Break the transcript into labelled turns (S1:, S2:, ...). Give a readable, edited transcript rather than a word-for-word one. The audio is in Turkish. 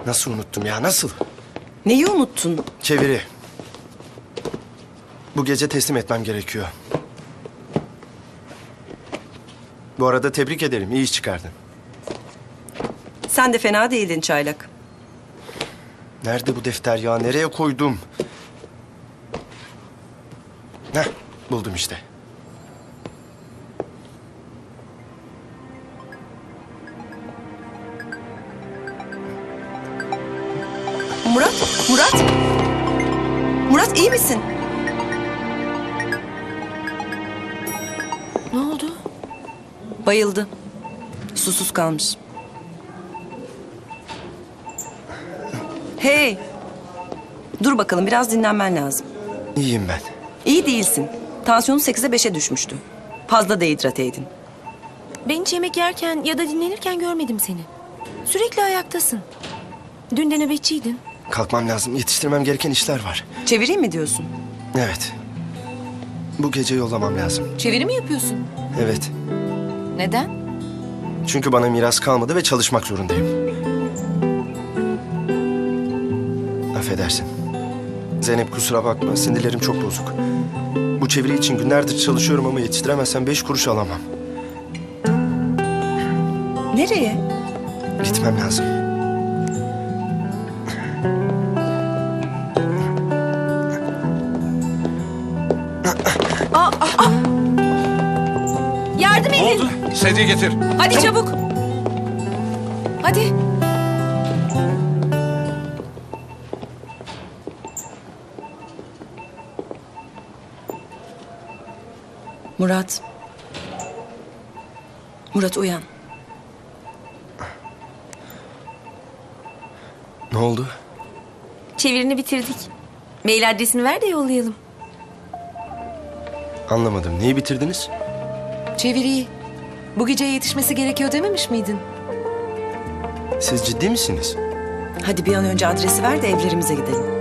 S1: Nasıl unuttum ya, nasıl?
S2: Neyi unuttun?
S1: Çeviri. Bu gece teslim etmem gerekiyor. Bu arada tebrik ederim, iyi iş çıkardın.
S2: Sen de fena değildin Çaylak.
S1: Nerede bu defter ya, nereye koydum? Heh, buldum işte.
S2: Murat, Murat! Murat iyi misin?
S3: Ne oldu?
S2: Bayıldı. Susuz kalmış. Hey! Dur bakalım, biraz dinlenmen lazım.
S1: İyiyim ben.
S2: İyi değilsin. Tansiyonu 8'e 5'e düşmüştü. Fazla dehidrateydin.
S3: Ben hiç yemek yerken ya da dinlenirken görmedim seni. Sürekli ayaktasın. Dün de nöbetçiydin.
S1: Kalkmam lazım, yetiştirmem gereken işler var.
S2: Çevireyim mi diyorsun?
S1: Evet. Bu gece yollamam lazım.
S3: Çeviri mi yapıyorsun?
S1: Evet.
S3: Neden?
S1: Çünkü bana miras kalmadı ve çalışmak zorundayım. Affedersin. Zeynep kusura bakma, sinirlerim çok bozuk. Bu çeviri için günlerdir çalışıyorum ama yetiştiremezsem 5 kuruş alamam.
S2: Nereye?
S1: Gitmem lazım.
S3: Yardım
S4: Ne
S3: edin.
S4: oldu? Sedye getir.
S3: Hadi çabuk. Hadi.
S2: Murat. Murat uyan.
S1: Ne oldu?
S3: Çevirini bitirdik. Mail adresini ver de yollayalım.
S1: Anlamadım. Neyi bitirdiniz?
S5: Çeviriyi. Bu geceye yetişmesi gerekiyor dememiş miydin?
S1: Siz ciddi misiniz?
S2: Hadi bir an önce adresi ver de evlerimize gidelim.